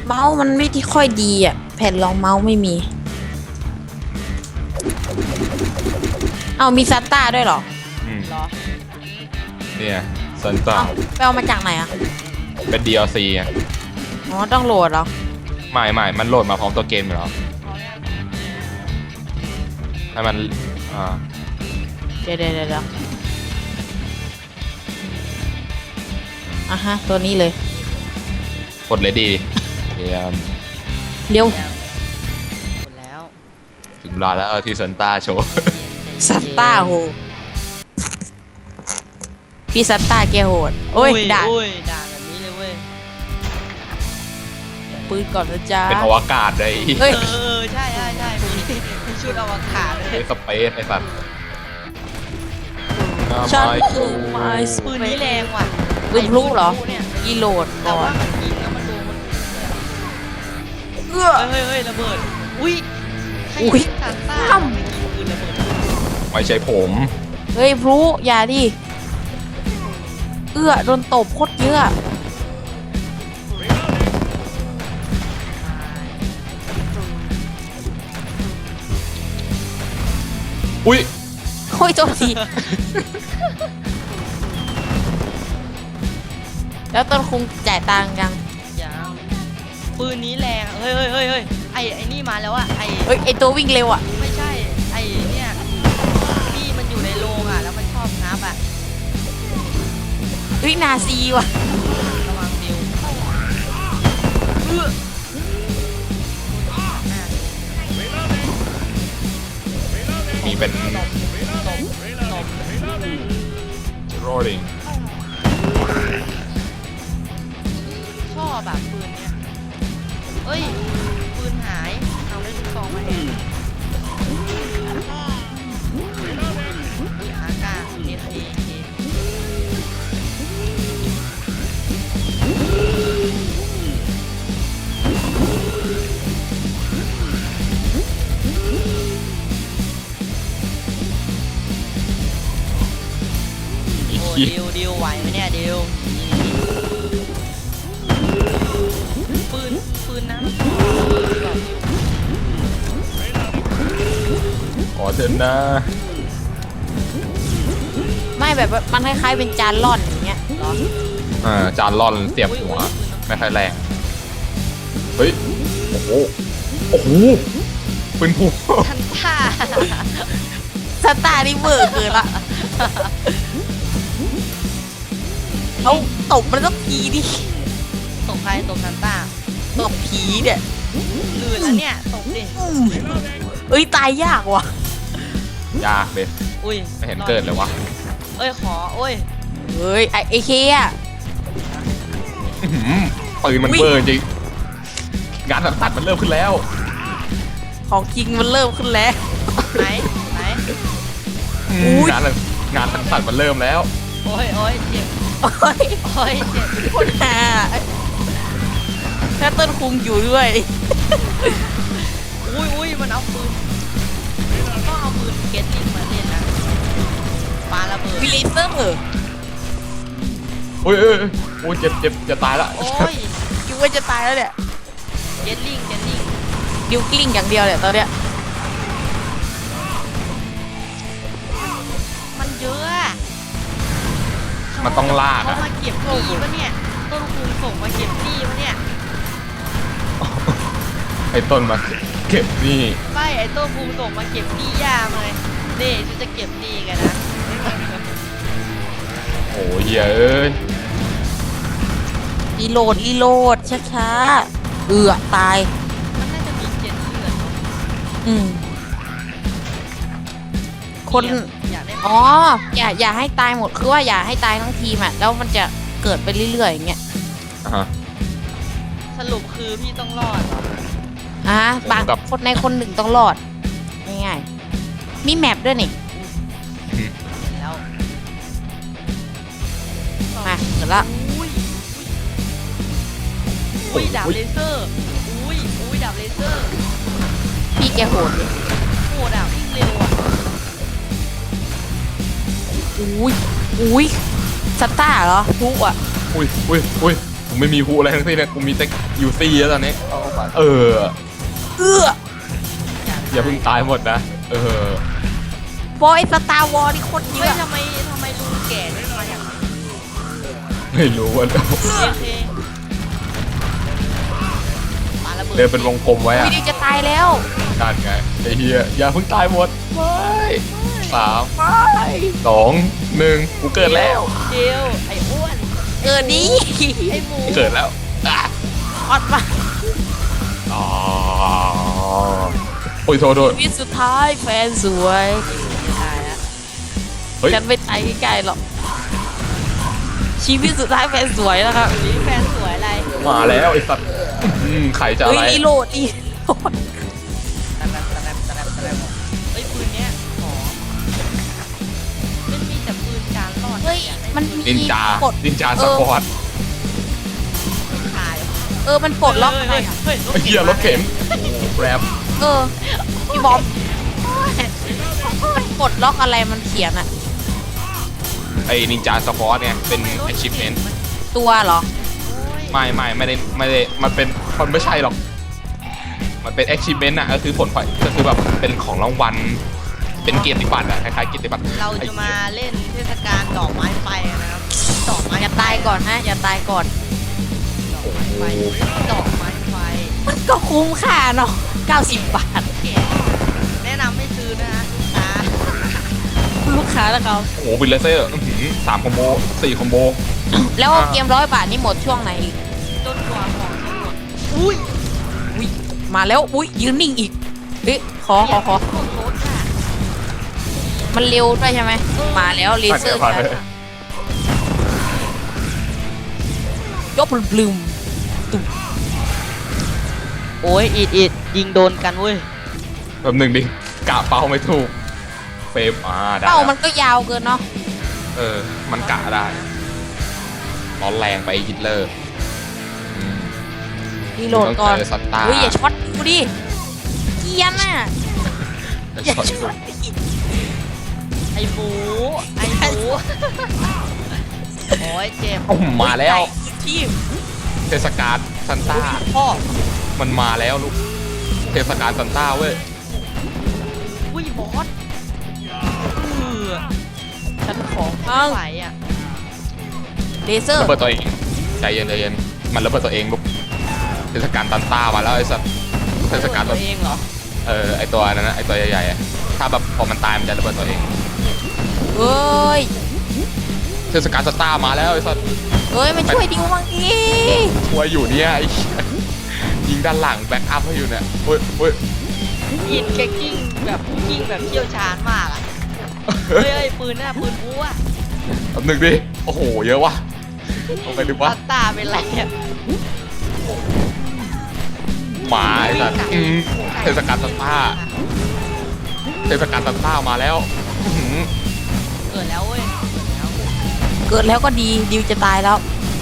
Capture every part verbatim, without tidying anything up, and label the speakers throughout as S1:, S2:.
S1: เมาส์มันไม่ที่ค่อยดีอ่ะแผ่นรองเมาส์ไม่มีเอามีซัตตาด้วยเหรอ
S2: อืม
S3: เหรอ
S2: เนี่ยซันต้า
S1: เอาไปเอามาจากไหนอ่ะ
S2: เป็น ดี แอล ซี อ่ะ
S1: อ๋อต้องโหลดเหรอ
S2: ไม่ไม่มันโหลดมาพร้อมตัวเกมอยู่แล้ว
S3: พอแล้ว
S2: ให้มันอ่า
S1: เดี๋ยวเดี๋ยวเดี๋ยวอ่ะฮะตัวนี้เลย
S2: กดเลยดีเยี่ยม
S1: เร็ว
S3: แล้วหมดแล้ว
S2: ถึงเวลาแล้วที่ซันต้าโชว์
S1: ซัตตาโหพี่ซัตตาแกโหดโอ้ยด่า
S3: โอ้ยด่าแบบนี้เลยเว้ย
S1: ปืนก่อนนะจ๊ะ
S2: เป็นอวกาศเลย
S1: เฮ้ย
S3: เออใช่ใช่ใช่มีมีชุดอวกาศเล
S2: ไอ้
S3: ย
S2: สเปซไอ้สัตว์
S1: ฉัน
S2: ไม่
S1: คือไม้ส
S3: ปืนนี้แรงว่ะ
S1: ปืนพลุเหรอ
S3: ไปืนพลุเนี่ย
S1: อีโหลด
S3: แต่
S1: ก่อ
S3: ว่าน มันยิงแล้วมันโดนมันเ
S1: เอื้อ
S3: ฮ้ยเฮ้ยเฮ้ยระเบิดอุ้ยใคร
S1: อุ๊ย
S3: ยิงซานต้า
S1: อ้ำ
S3: ไม่ยิงปืนระเบิด
S2: ไม่ใช่ผม
S1: เฮ้ยพลุอย่าดิเอื้อโดนตบโคตรเยอะ
S2: อุ้ย
S1: โอ้ยโจมทีแล้วต้นคุงจ่ายตังค์ยัง
S3: ยังปืนนี้แรงเฮ้ยเฮ้ยเฮ้ยเฮ้ยไอไอนี่มาแล้วอะไอ
S1: เฮ้ยไอตัววิ่งเร็วอ่ะ
S3: ไม่ใช่ไอเนี่ยที่มันอยู่ในโรงอะแล้วมันชอบงับอะ
S1: เฮ้ยนาซีว่ะ
S3: ระวังดิวเอื้ออ่ะ
S2: มีเป็น
S3: ตบตบตบ
S2: rolling
S3: ชอบแบบปืนเนี้ยเอ้ยปืนหายเอาได้ลูกซองมาแทนอุ้ยอากาเอเคเค โอ้ดิวดิวไหวไหมเนี่ยดิวปืนปืนนะปืนก่อนดิว
S2: ขอเถอะนะ
S1: ไม่แบบว่ามันคล้ายๆเป็นจานร่อนอย่างเงี้ยเหรอ
S2: อ่าจานร่อนเสียบหัว ไม่ค่อยแรง เฮ้ย โอ้โห โอ้โหปืนผู
S3: ทันท่า
S1: สตาร์นี่เวอร์เกินละเอาตบมันสักทีดิ
S3: ตบใครตบทันต้า
S1: ตบผีเนี่ย
S3: ลื่นแล้วเนี่ยตบดิ
S1: เอ้ยตายยากว่ะ
S2: ยากเลย
S3: อุ้ย
S2: ไม่เห็นเกิดเลยวะ
S3: เอ้ยขอโอ้ย
S1: เฮ้ยไอเอเคอะ
S2: อื้อหือปืนมัน
S1: อุ๊ย
S2: เบอร์จริง งานตัดมันเริ่มขึ้นแล้ว
S1: ของจริงมันเริ่มขึ้นแล้ว
S3: ไหนไหน
S2: อืม
S1: อุ๊ย
S2: งานงานตัดมันเริ่มแล้ว
S3: โอ้ยโอ้ยเจ็บ
S1: โอ้ย
S3: โอ้ยเจ็บ
S1: คนหาถ้าต้นคุงอยู่ด้วย
S3: อุ้ยอุ้ยมันเอาปืนต้องเอาปืนเก็ตลิงมาเล่นนะปาระเบิด
S1: วิลเลเซอร์
S2: โอ้ยเอ้ยเอ้ยโอ้ยเจ็บเจ็บจะตายละ
S3: โอ้ย
S1: คิดว่าจะตายแล้วเนี่ย
S3: เก็ตลิงเก็ตลิง
S1: ดิวกลิ้งอย่างเดียวเนี่ยตอนเนี้ย
S3: มันเยอะอะ
S2: มันต้องลาก
S3: เขา
S2: อะ
S3: มาเก็บหนี้ปะเนี่ยต้นคูณส่งมาเก็บหนี้ปะเนี่ย
S2: ไอ้ต้นมาเก็บนี่
S3: ไม่ไอ้ต้นคูณส่งมาเก็บหนี้ย่ามาเลยนี่ฉันจะเก็บหนี้กันนะ
S2: โอ้ยเหี้ยเอ้ย
S1: รีโหลดรีโหลดช้าๆเอือตาย
S3: มันน่าจะมีเจ็ดเลือดเนอะ
S1: อืม คน
S3: อยากได้
S1: อ๋อ อย่าอย่าให้ตายหมด คือว่าอย่าให้ตายทั้งทีมอ่ะ แล้วมันจะเกิดไปเรื่อยๆอย่างเงี้ย
S2: อ่ะฮะ
S3: สรุปคือพี่ต้องรอดเหรอ
S1: อ่ะบาง
S2: ผมกับ
S1: คนในคนหนึ่งต้องรอด ง่ายๆมีแมปด้วยนี่
S2: อืม
S3: เห็นแล้ว
S1: มาเสร็จละ
S3: อุ้ยอุ้ยดาบเลเซอร์อุ้ยอุ้ยดาบเลเซอร์
S1: พี่แกโหดดิ
S3: โหดาบวิ่งเร็วอ่ะ
S1: อุ้ยอุ้ยสตาร์เหรอทุกอ่ะ
S2: อุ้ยอุ้ยอุ้ยไม่มีฮูอะไรทั้งสิ้นเลยกูมีแต่ยูซี่แล้วตอนนี้เออ
S1: เอื้อ
S2: อย่าเพิ่งตายหมดนะเออบ
S1: อยสตาร์วอลนี่โคตรเย
S3: เฮ้ย
S1: อะ
S3: ทำไมทำไมลุงแก่นี่มาอย่าง
S2: ไม่รู้ว่า
S3: โอเคปาระเบิด
S2: เดินเป็นวงกลมไว้
S1: วิ
S2: อะ
S1: ดีจะตายแล้ว
S2: นั่นไงไอ้เหี้ยอย่าเพิ่งตายหมดไม่สามสองหนึ่งกูเกิดแล้ว
S3: เจียวไอ้อ้วน
S1: เกิดดี
S3: ไอ้หมู
S2: เกิดแล้วอ่ะ
S1: ออดมา
S2: อ๋อโอ้ยโทษโทษ
S1: ชีวิตสุดท้ายแฟนสวย
S3: ตายแล้ว
S2: เฮ้ย
S1: ฉันไม่ตายใกล้ๆหรอกชีวิตสุดท้ายแฟนสวยแล้วครับ
S3: นี่แฟนสวยอะไร
S2: มาแล้วไอ้สัตว์อืมไข่จะอะ
S1: เฮ้ย
S2: ไร
S1: อีโหลดอีโหลด
S3: ตะแรมตะแรมตะแรมตะแรมเฮ้ยปืนเนี้ยขอมันมีแต่ปืนการรอด
S1: เฮ้ยมันมี
S2: นินจา
S1: ปลด
S2: นินจา
S1: เอ
S2: ส
S1: อ
S2: ปอร์ต
S3: ขาย
S1: เออมันปลดล็อกอะไร
S3: เฮ้ย
S1: อะ
S3: เฮ้ย
S2: ไอ้เหี้ยรถเข็นแรม
S1: เออพี่บอมมันปลดล็อกอะไรมันเขียนอะ
S2: ไอ้นินจาสปอร์ตเนี่ยเป็น achievement
S1: ตัวเหรอ
S2: ไม่ไม่ไม่ได้ไม่ได้มันเป็นมันไม่ใช่หรอก มันเป็น achievement อะก็คือผลพลอยก็คือแบบเป็นของรางวัลเป็นเกียรติบัตรอะคล้ายๆเกียรติบัตร
S3: เราจะมาเล่นเทศกาลดอกไม้ไฟนะครับดอกไม้
S1: อย่าตายก่อนนะอย่าตายก่อน
S3: ดอกไม้ไฟดอกไม้ไฟ
S1: มันก็คุ้มค่าเนาะเก้าสิบบาท
S3: แก่แนะนำไม่ซื้อนะฮะตา
S1: ลูกค้าแล้วเขา
S2: โอ้โหวิลเลเซอร์อื้อหือสามคอมโบสี่คอมโบ
S1: แล้วเกมร้อยบาทนี่หมดช่วงไหนอีก
S3: จนกว่าของจะหมดอุ้ย
S1: อุ้ยมาแล้วอุ้ยยืนนิ่งอีกเอ๊ะขอขอขอ
S3: พวกรถอะ
S1: มันเร็วด้วยใช่ไหมมาแล้วเลเซอร์
S2: ผ่านไป
S1: ยกพลุม
S3: โอ้ยอิดอิดยิงโดนกันเว้ย
S2: แบบหนึ่งดิกะเป้าไม่ถูกเฟรมอ่าได้
S1: เป้า
S2: แล้ว
S1: มันก็ยาวเกินเนาะ
S2: เออมันกะได้ร้อนแรงไปฮิตเลอร์อืม
S1: รีโหลดก่อน
S2: ต้องเจอซันต้า
S1: อุ้ยอย่าช็อตกูดิเกรียนน่ะอย่าช็อตดิ
S3: ไอหมูไอหมูโอ้ยเจ็บ
S2: โอ้โหมาแล้ว
S1: ที่
S2: เทศกาลซันต้า
S3: พ่อ
S2: มันมาแล้วลูกเทศกาลซันต้าเว้ย
S3: อุ้ยบอสเออ
S1: ฉันของ
S3: ไม่
S1: อ้าง
S3: ไหวอ่ะ
S1: เลเซอร์
S2: ระเบิดตัวเองใจเย็นใจเย็นมันระเบิดตัวเองลูกเทศกาลซันต้ามาแล้วไอ้สัสเทศกาล
S3: ตั
S2: ตัว
S3: วเองเหรอ
S2: เออไอตัวนั้นนะไอตัวใหญ่ๆอะถ้าแบบพอมันตายมันจะระเบิดตัวเอง
S1: เอ้ย
S2: เทศกาลซันต้ามาแล้วไอ้สัส
S1: เอ้ยมาช่วยดิวบ้างดิ
S2: ช่วยอยู่เนี่ยไอ้เหี้ยยิงด้านหลังแบ็กอัพให้อยู่เนี่ยโอ้ยโอ้ย
S3: ยิงแกกิ้งแบบยิงแบบเชี่ยวชาญมากอ่ะเฮ้ยเฮ้ยปืนน่ะปืนบู๊อ่ะ
S2: แป๊บหนึ่งดิโอ้โหเยอะวะลงไปดูวะ
S3: ตาตาเป็นไรอ่ะ
S2: หมาไอ้สัสอืมเทศกาลซันต้าเทศกาลซันต้ามาแล้วอื้อหือ
S3: เกิดแล้วเว้ยเกิดแล้ว
S1: เกิดแล้วก็ดีดิวจะตายแล้ว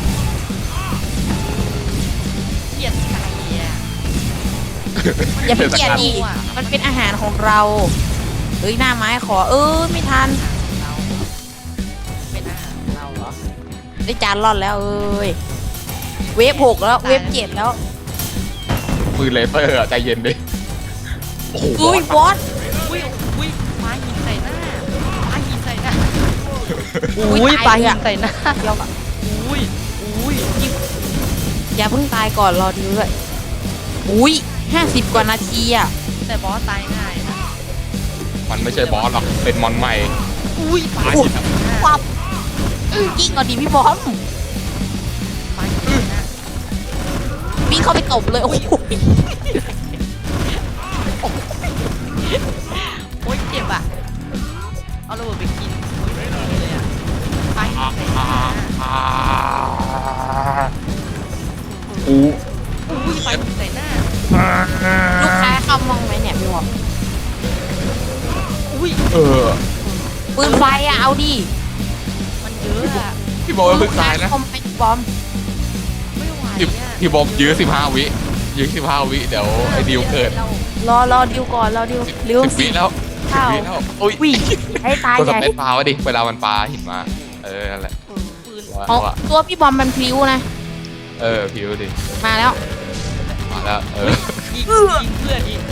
S3: เกลียดไก่อ่ะ
S1: อย่าไปเกลียด
S2: ทศาล
S1: ดิมันเป็นอาหารของเราเฮ้ยหน้าไม้ขอเออไม่ทัน
S3: เราเป็นอาหารของเราเหรอ
S1: ได้จานรอดแล้วเอ้ยเวฟหกแล้วเวฟเจ็ดแล้ว
S2: ปืนเลเซอร์อะใจเย็นดิโอ้โห
S1: อุ้ยบอส
S3: อุ้ยอุ้ยปลาหินใส่หน้าปลาหินใส่หน้า
S1: อุ้ย
S3: อุ้ยปลา
S1: ตาย
S3: หิ
S1: อะ
S3: นใส่หน้า
S1: เดียวอะ
S3: อุ้ยอุ้ย
S1: อย่าเพิ่งตายก่อนรอดิวด้วยอุ้ยห้าสิบกว่านาทีอ่ะ
S3: แต่บอสตายง่ายนะ
S2: มันไม่ใช่บอสหรอกเป็นมอนใหม่
S3: อุ้ยปลา
S2: ปลา
S3: หิ
S2: หิ
S3: น
S2: นอะ
S1: ปั๊บอื้อยิงก่อนดิพี่บอม
S3: ปลาหินใส่หน้า
S1: วิ่งเข้าไปตบเลยโอ้โห
S3: โอ้ยเจ็บอ่ะเอาระเบิดไปกินอุ้ยไม่ดีเลยอ่ะปลาหินใส่หน้า
S2: อ่าอู้
S3: อุ้ยปลาหินใส่หน้า
S1: ลูกค้าเข้ามองไหมเนี่ยพี่บอม
S3: อุ้ย
S2: เออ
S1: ปืนไฟอะเอาดิ
S3: มันเยอะอ่ะ
S2: พี่บอกว่าเพิ่งตายนะ
S1: เข้าไปบอม
S3: ไม่ไหว
S2: พี่
S3: อ่ะ
S2: พี่บอกยื้อสิบห้าวิยื้อสิบห้าวิเดี๋ยวไอ้ดิวเกิด
S3: รา
S1: รอรอดิวก่อนรอดิวเร็ว
S2: สิบวิแล้วสิบ
S1: เข้า
S2: วิแล้วอุ้ย
S1: วิ่งให้ตาย
S2: กด
S1: ให
S2: ส
S1: ญ่
S2: เปซปลาวะดิเวลามันปลาหินมาเออนั่นแหละ
S3: ปืน
S2: ว่า
S1: อ๋อ
S2: ว่า
S1: ตัวพี่บอมมันพลิ้วนะ
S2: เออพิวดิ
S1: มาแล้ว
S2: มาแล้วเออ
S3: ยิงยิงเพื่อนยิง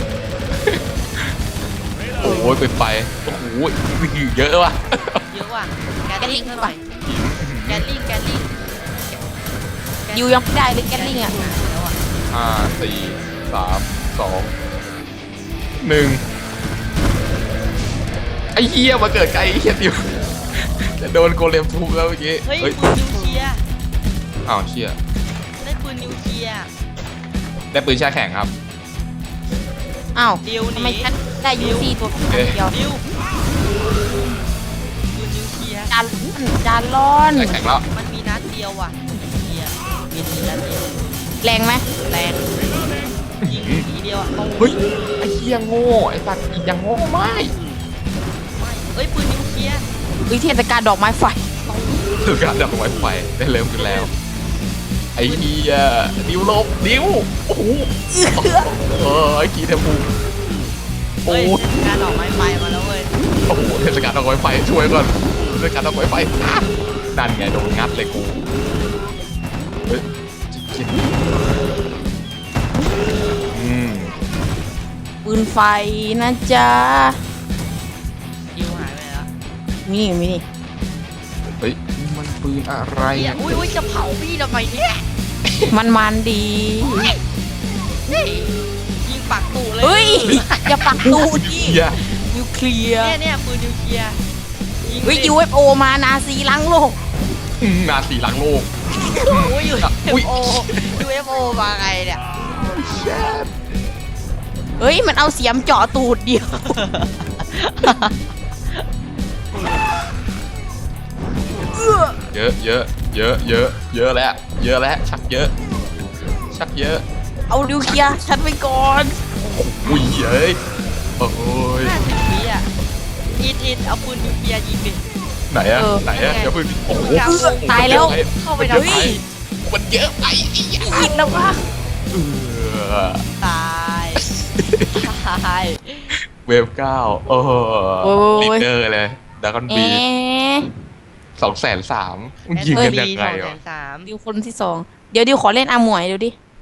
S2: โอ้ยไปไปโอ้โหเยอะว่ะ
S3: เยอะว่ะแกลลิงเท่าไหร่แกลลิงแกลลิง
S1: ยูยังไม่ได้เลยแกลลิงอ่ะ
S3: แล้วอ่ะ
S2: ห้าสี่สามสองหนึ่งไอ้เหี้ยมาเกิดไกลไอ้เหี้ยดิวจะโดนโกเลมทุบแล้วเมื่อกี้
S3: เฮ้ย
S2: เฮ้ย
S3: ปืนนิวเคลียร์
S2: อ้าวเชี่ย
S3: ได้ปืนนิวเคลียร์
S2: ได้ปืนแช่แข็งครับ
S1: อ้าว
S3: เดียว
S1: ทำ
S3: ห
S1: ไม
S3: นี
S1: ฉันได้ยูซี่ตัวเดียว
S3: ดิวปืนนิวเคลียร์
S1: จานจานร้อน
S2: แช่แข็งแล้ว
S3: มันมีนัดเดียวว่ะนิวเคลียร์มีนัดเดียว
S1: แรงไหม
S3: แรงยิงทีเดียวอ่ะต้อง
S2: เฮ้ยไอ้เหี้ยโง่ไอ้สัตว์อีกยังโง่ไม่
S3: ไม่เอ้ยปืนนิวเคลียร์
S1: วิเทศกาลดอกไม้ไฟ
S2: ถือการดับไวไฟได้เริ่มขึ้นแล้วไอ้เหี้ยดิวลบดิวโอ้โหเออไอ้กีเทมูโอ้
S3: เฮ้ย
S2: โห
S3: การออกไม้ไฟมาแล้วเว้ย
S2: โอ้โหเทศกาลดอกไม้ไฟช่วยก่อนเทศกาลดอกไม้ไฟอ่ะนั่นไงโดนงัดเลยกูเฮ้ยจิตอืม
S1: ปืนไฟนะจ๊ะ
S3: ยิวหายไปแล้ว
S1: มีนี่มีนี่
S2: เฮ้ยมันปืนอะไร
S3: เฮีย
S2: อ่ะ
S3: อุ้ยอุ้ยจะเผาพี่ทำไมเนี่ย
S1: มันมันดี
S3: ยิงปากตู่เลย
S1: เฮ้ยอย่าปักตูดดิ
S2: เหี้ย
S1: นิวเคลียร์
S3: เนี่ยเนี่ยปืนนิวเคลียร์ยิง
S1: เฮ้ย
S3: ดิ
S1: ยูเอฟโอมานาซีล้างโลก
S2: อืมนาสีหลังโลก
S3: อุ้ยยู
S2: อุ๊
S3: เอย ฟโอยูเอฟโอมาไงเนี่ย
S1: เฮ้ยมันเอาเสียมเจาะตูดเดียว
S2: เยอะเยอะเยอะเยอะเยอะแล้วเยอะแล้วชักเยอะ ชักเยอะ
S1: เอานิวเคลียร์ฉันไปก่อน
S2: อุ้ยเอ้ยโอ้ย
S3: ห้าสิบวิอ่ะอิดอิดเอาปืนนิวเคลียร์ยิงดิ
S2: ไหนอะไหนอะเดี๋ยวเพิ่งโอ้โห
S1: ตายแล้ว
S3: เข้าไป
S2: มัน
S3: ทำ
S2: เยอะ
S3: ไม
S2: ไปมันเยอะไปอีกอย่าง
S1: ยิงแล้ววะ
S2: เออ
S3: ตายตาย
S2: เวฟเก้าโอ้โหลีดเดอร์เลยดากอน
S1: เอ๊
S2: บี
S1: ะ
S2: สองแสนสามยิงกันยังไง
S3: สองแส
S2: วะ
S3: นสาม
S1: ดิวคนที่สองเดี๋ยวดิวขอเล่นอาหมวยดูดิ